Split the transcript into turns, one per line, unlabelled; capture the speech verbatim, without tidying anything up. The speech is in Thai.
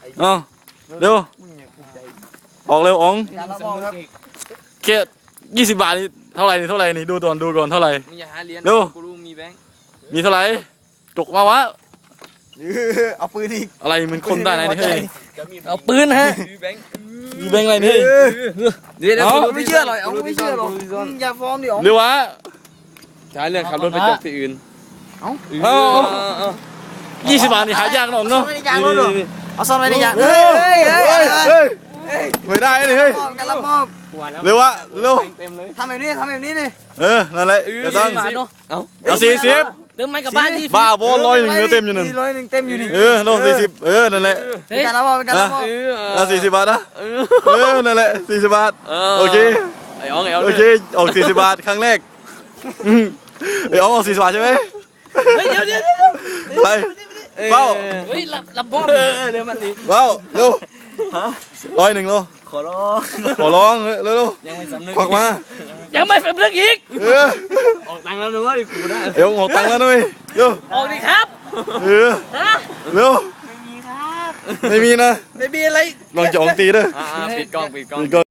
เอาเร็วออกเร็วอ๋องแค่ยี่สิบบาทนี่เท่าไหร่นี่เท่าไหร่นี่ดูก่อนดูก่อนเท่าไหร่เร็วมีเท่าไหร่จกมาวะ
เอาปืนอีก
อะไรมันคนได้ไหนนี่เฮ้ย
เอาปืนฮะ
มีแบงค์อะไรนี่
เดี๋ยวไม่เชื่อหรอกเอาไม่เชื่อหรอกอย่าฟ้องดิอ๋อ
เร็ววะ
ใช้เรื่องขับรถไปจบที่อื่น
เอา
เอายี่สิบบาทนี่หายากหน่อยเนาะ
เอาซ่อนไว้ในยางเฮ้ยเฮ้ยเฮ้ยเฮ้ย
ไม่ได้เลยเฮ้ย
กันละมอบ
เร็ววะเร็ว
ทำแบบนี้ทำแบบนี้ดิ
เออนั่นแหละเดี๋ยวตั้งเอาสี่สิบ
เติมไม่กับบ้านที่
บ้าบอลร้อยหนึ่งเต็มอยู่หนึ่ง
ร้อยหนึ่งเต็มอยู่นี่
เออลงสี่สิบเออนั่นแหละ
กันละมอบกันละมอบ
เอาสี่สิบบาทนะเออนั่นแหละสี่สิบบาทโอเค
ไอ้อ๋องไอ้อ๋อง
โอเคออกสี่สิบบาทครั้งแรกไอ้อ๋องออกสี่สิบบาทใช่ไหม
เฮ้ยเดี๋ยวเดี๋ยว
ไปเบ้า
เฮ้ยรับรับบ้องเดี๋ยวมันดิ
เบ้าเร็วร้อยหนึ่งโล
ขอร้อง
ขอร้องเร็ว
ยังไม่สำนึก
ควักมา
ยังไม่สำนึกอีก
เออ
ออกตังค์แล้วนึกว่าดิกูได้
เดี๋ยวออกตังค์แล้วด้วยเร็ว
ออกดิครับ
เออเร็ว
ไม่มีครับ
ไม่มีนะ
ไม่มีอะไร
ลองจะออกตีด้วย
ปิดกล้องปิดกล้อง